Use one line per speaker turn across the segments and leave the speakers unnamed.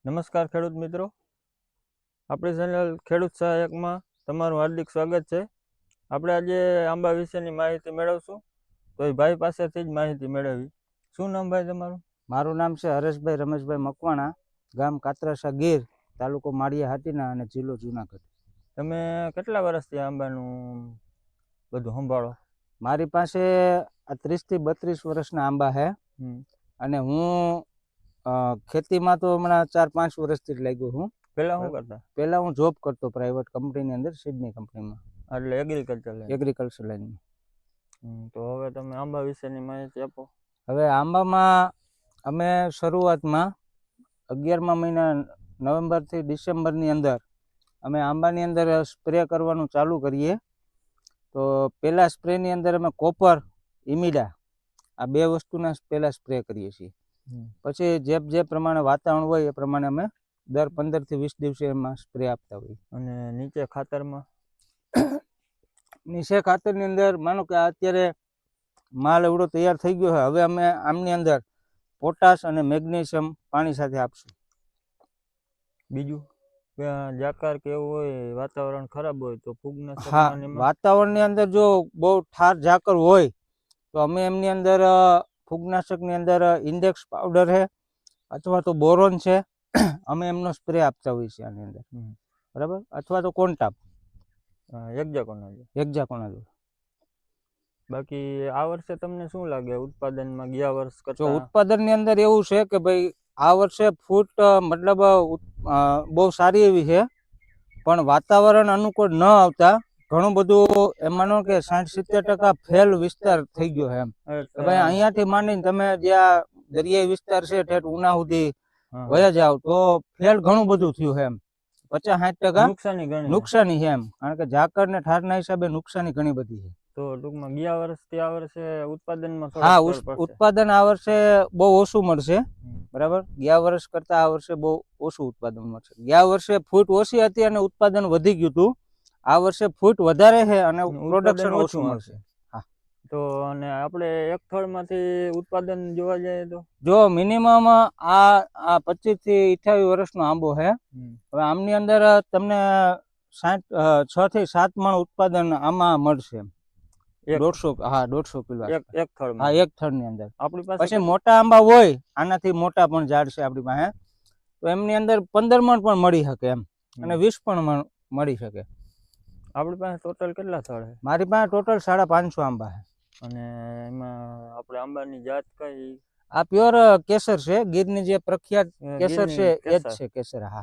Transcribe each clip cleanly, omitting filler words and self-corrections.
નમસ્કાર ખેડૂત મિત્રો, આપણી ચેનલ ખેડૂત સહાયકમાં તમારું હાર્દિક સ્વાગત છે. આપણે આજે આંબા વિશેની માહિતી મેળવશું, તો એ ભાઈ પાસેથી જ માહિતી મેળવી. શું નામ ભાઈ તમારું?
મારું નામ છે હરેશભાઈ રમેશભાઈ મકવાણા, ગામ કાતરાસા ગીર, તાલુકો માળિયા હાટીના અને જિલ્લો જુનાગઢ.
તમે કેટલા વર્ષથી આંબાનું બધું સંભાળો?
મારી પાસે 30 થી 32 વર્ષના આંબા છે અને હું ખેતીમાં તો હમણાં 4-5 વર્ષથી જ લાગ્યો હું.
પહેલા શું કરતા?
પહેલા હું જોબ કરતો પ્રાઇવેટ કંપનીની અંદર, સિડની કંપનીમાં,
એટલે
એગ્રીકલ્ચર લાઈનમાં.
તો હવે તમે આંબા વિશેની માહિતી આપો.
હવે આંબામાં અમે શરૂઆતમાં 11મા મહિના નવેમ્બરથી ડિસેમ્બરની અંદર અમે આંબાની અંદર સ્પ્રે કરવાનું ચાલુ કરીએ. તો પહેલા સ્પ્રેની અંદર અમે કોપર, ઇમિડા આ બે વસ્તુના પહેલા સ્પ્રે કરીએ છીએ. પછી જે પ્રમાણે વાતાવરણ હોય એ પ્રમાણે અમે દર 15 થી 20 દિવસે એમાં સ્પ્રે આપતા હોઈએ.
અને નીચે ખાતરમાં?
નીચે ખાતરની અંદર માનો કે અત્યારે માલ એવડો તૈયાર થઈ ગયો છે, હવે અમે આમની અંદર પોટાશ અને મેગ્નેશિયમ પાણી સાથે આપશું.
બીજું જાકાર કે એવું હોય, વાતાવરણ ખરાબ હોય તો ફૂગનાશક?
હા, વાતાવરણની અંદર જો બહુ ઠાર ઝાકર હોય તો અમે એમની અંદર ફૂગનાશકની અંદર ઇન્ડેક્સ પાવડર છે અથવા તો બોરોન છે, અમે એમનો સ્પ્રે આપતા હોઈએ છીએ આની અંદર, બરાબર, અથવા તો કોન્ટાપ, હેક્ઝાકોનાઝોલ.
બાકી આ વર્ષે તમને શું લાગે ઉત્પાદનમાં ગયા વર્ષ કરતા?
ઉત્પાદનની અંદર એવું છે કે ભાઈ આ વર્ષે ફૂટ મતલબ બહુ સારી એવી છે, પણ વાતાવરણ અનુકૂળ ન આવતા ઘણું બધું એમાંનો કે 60-70% ફેલ વિસ્તાર થઈ ગયો છે એમ. ભાઈ અહીંયાથી માંડીને તમે જ્યાં દરિયાઈ વિસ્તાર છે ઠેઠ ઉના સુધી વયા જાવ તો ફેલ ઘણું બધું થયું છે એમ. 50-60% નુકસાની છે એમ, કારણ કે ઝાકર ને ઠારના હિસાબે નુકસાની ઘણી બધી છે.
તો ટૂંકમાં ગયા વર્ષથી આ વર્ષે ઉત્પાદનમાં?
હા, ઉત્પાદન આ વર્ષે બહુ ઓછું મળશે, બરાબર. ગયા વર્ષ કરતા આ વર્ષે બહુ ઓછું ઉત્પાદન મળશે. ગયા વર્ષે ફૂટ ઓછી હતી અને ઉત્પાદન વધી ગયું હતું. આ વર્ષે ફૂટ વધારે છે અને પ્રોડક્શન ઓછું મળશે. હા.
તો અને આપણે એક થળમાંથી ઉત્પાદન જોવા જઈએ તો
જો મિનિમમ આ 25 થી 28 વર્ષનો આંબો છે. હવે આમની અંદર તમને 6 થી 7 મણ ઉત્પાદન આમાં મળશે. 150 કિલો
એક થળ?
હા, એક થળની અંદર.
આપણી પાસે
પછી મોટા આંબા હોય, આનાથી મોટા પણ ઝાડ છે આપણી પાસે, તો એમની અંદર 15 મણ પણ મળી શકે એમ, અને 20 પણ મણ મળી શકે.
આપણી પાસે ટોટલ કેટલા થળ છે?
મારી પાસે ટોટલ 550 આંબા છે.
અને એમાં આપણે આંબાની જાત કઈ?
આ પ્યોર કેસર છે, ગીરની જે પ્રખ્યાત કેસર છે એ જ છે કેસર. હા,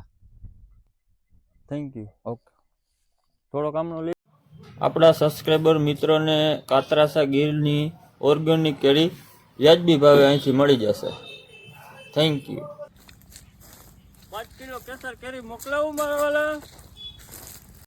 થેન્ક યુ.
ઓકે.
થોડોક આમનો આપણા સબસ્ક્રાઈબર મિત્રોને કાતરાસા ગીરની ઓર્ગેનિક કેરી વ્યાજબી ભાવે અહીંથી મળી જશે. Thank you. 5 કિલો કેસર કેરી મોકલાવું મારા વાલા?